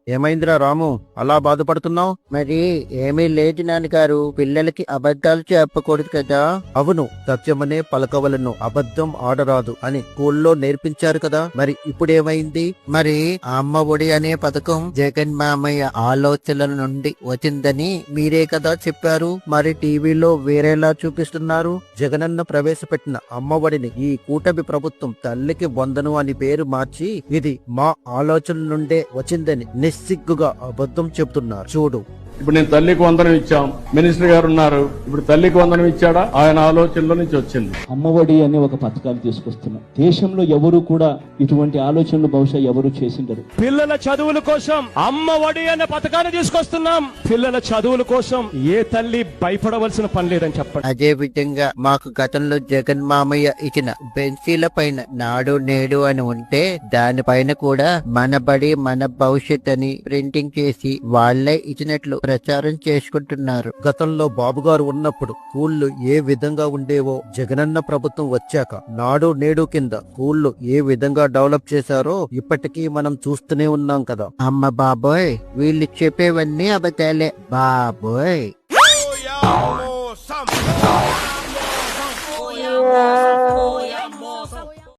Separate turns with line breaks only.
ఏమైందిరా రాము, అలా బాధపడుతున్నావు?
మరి ఏమీ లేదు నాన్నగారు, పిల్లలకి అబద్ధాలు చెప్పకూడదు కదా.
అవును, సత్యమనే పలకవలను, అబద్ధం ఆడరాదు అని స్కూల్లో నేర్పించారు కదా. మరి ఇప్పుడేమైంది?
మరి అమ్మ ఒడి అనే పథకం జగన్ మామయ్య ఆలోచనల నుండి వచ్చిందని మీరే కదా చెప్పారు. మరి టీవీలో వేరేలా చూపిస్తున్నారు.
జగనన్న ప్రవేశపెట్టిన అమ్మఒడిని ఈ కూటమి ప్రభుత్వం తల్లికి వందను అని పేరు మార్చి ఇది మా ఆలోచనల నుండే వచ్చిందని నిస్సిగ్గుగా అబద్ధం చెబుతున్నారు. చూడు,
ఇప్పుడు నేను తల్లికి వందనం ఇచ్చాం, మినిస్టర్ గారు ఉన్నారు, ఇప్పుడు తల్లికి వందనం ఇచ్చాడా? ఆయన ఆలోచనలో నుంచి వచ్చింది.
అమ్మఒడి అనే ఒక పథకాలు తీసుకొస్తున్నాం. దేశంలో ఎవరు కూడా ఇటువంటి ఆలోచనలు బహుశా ఎవరు చేసిండరు.
పిల్లల చదువుల కోసం అమ్మఒడి అనే పథకాన్ని తీసుకొస్తున్నాం. పిల్లల చదువుల కోసం ఏ తల్లి భయపడవలసిన పని లేదని చెప్పండి.
అదే విధంగా మాకు గతంలో జగన్ మామయ్య ఇచ్చిన బెంచీల పైన నాడు నేడు అని ఉంటే దానిపైన కూడా మన బడి మన భవిష్యత్ అని ప్రింటింగ్ చేసి వాళ్లే ఇచ్చినట్లు ప్రచారం చేసుకుంటున్నారు.
గతంలో బాబుగారు ఉన్నప్పుడు స్కూళ్లు ఏ విధంగా ఉండేవో జగనన్న ప్రభుత్వం వచ్చాక నాడు నేడు కింద స్కూళ్లు ఏ విధంగా డెవలప్ చేశారో ఇప్పటికీ మనం చూస్తూనే ఉన్నాం కదా.
అమ్మ బాబోయ్, వీళ్ళు చెప్పేవన్నీ అబద్ధాలే బాబోయ్.